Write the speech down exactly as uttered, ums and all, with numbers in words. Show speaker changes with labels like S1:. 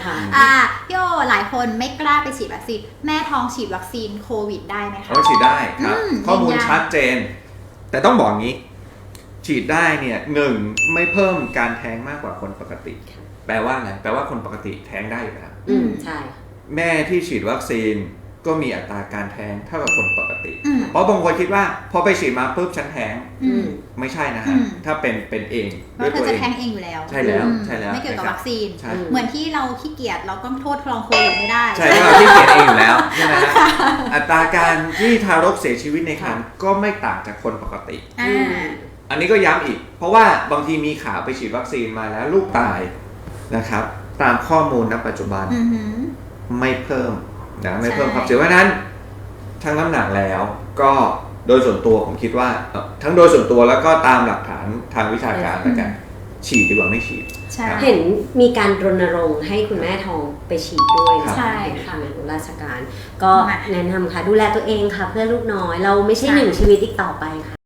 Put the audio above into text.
S1: อ่าพี่โอหลายคนไม่กล้าไปฉีดวัคซีนแม่ท้องฉีดวัคซีนโควิดได้ไหมคะ
S2: เขาฉีดได้ครับข้อมูล
S1: ยืนยัน
S2: ชัดเจน แต่ต้องบอกงี้ ฉีดได้เนี่ยหนึ่งไม่เพิ่มการแท้งมากกว่าคนปกติ แปลว่าอะไรแปลว่าคนปกติแท้งได้อยู่แล้ว
S3: อืมใช่
S2: แม่ที่ฉีดวัคซีนก็มีอัตราการแท้งเท่ากับคนปกติ
S1: อืม
S2: เพราะบางคนคิดว่าพอไปฉีดมาปุ๊บฉันแท้ง
S1: อืม
S2: ไม่ใช่นะ
S1: อื
S2: ฮะ
S1: ม
S2: ถ้าเป็นเป็นเอง
S1: เพ
S2: ด้วย
S1: ราะเธ
S2: ตั
S1: อ
S2: ว
S1: จะ
S2: เอง
S1: แท้งเองอยู่แล้ว
S2: ใช่แล้ว
S1: อืม
S2: ใช่แล้ว
S1: ไม่เกี่ยวกับวัคซีน
S2: ใช่
S1: เหมือนที่เราขี้เกียจเราก็โทษลองโควิดไม่ได้
S2: ใช่เราที่เขียนเองอยู่แล้วใช่ไหมฮะอัตราการที่ทารกเสียชีวิตในครรภ์ก็ไม่ต่างจากคนปกติ
S1: อ่า
S2: อันนี้ก็ย้ำอีก เพราะว่าบางทีมีข่าวไปฉีดวัคซีนมาแล้วลูกตายนะครับ ตามข้อมูลณปัจจุบัน
S1: อือหือ
S2: ไม่เพิ่มนะไม่เพิ่ม
S1: ใช่
S2: ความเสี่ยงเพราะฉะนั้นทั้งน้ำหนักแล้วก็โดยส่วนตัวผมคิดว่าเอ่อทั้งโดยส่วนตัวแล้วก็ตามหลักฐานทางวิชาการแล้วกันฉีดดีกว่าไม่ฉีด
S1: ใช่
S2: ครับ
S3: เห็นมีการรณรงค์ให้คุณแม่ท้องไปฉีดด้วยนะ
S1: ใช่
S3: ทางานราชการ ก็
S1: มา
S3: แนะนำค่ะดูแลตัวเองค่ะเพื่อลูกน้อย เราไม่ใช่
S1: ใช่
S3: หนึ่งชีวิตอีกต่อไปค่ะ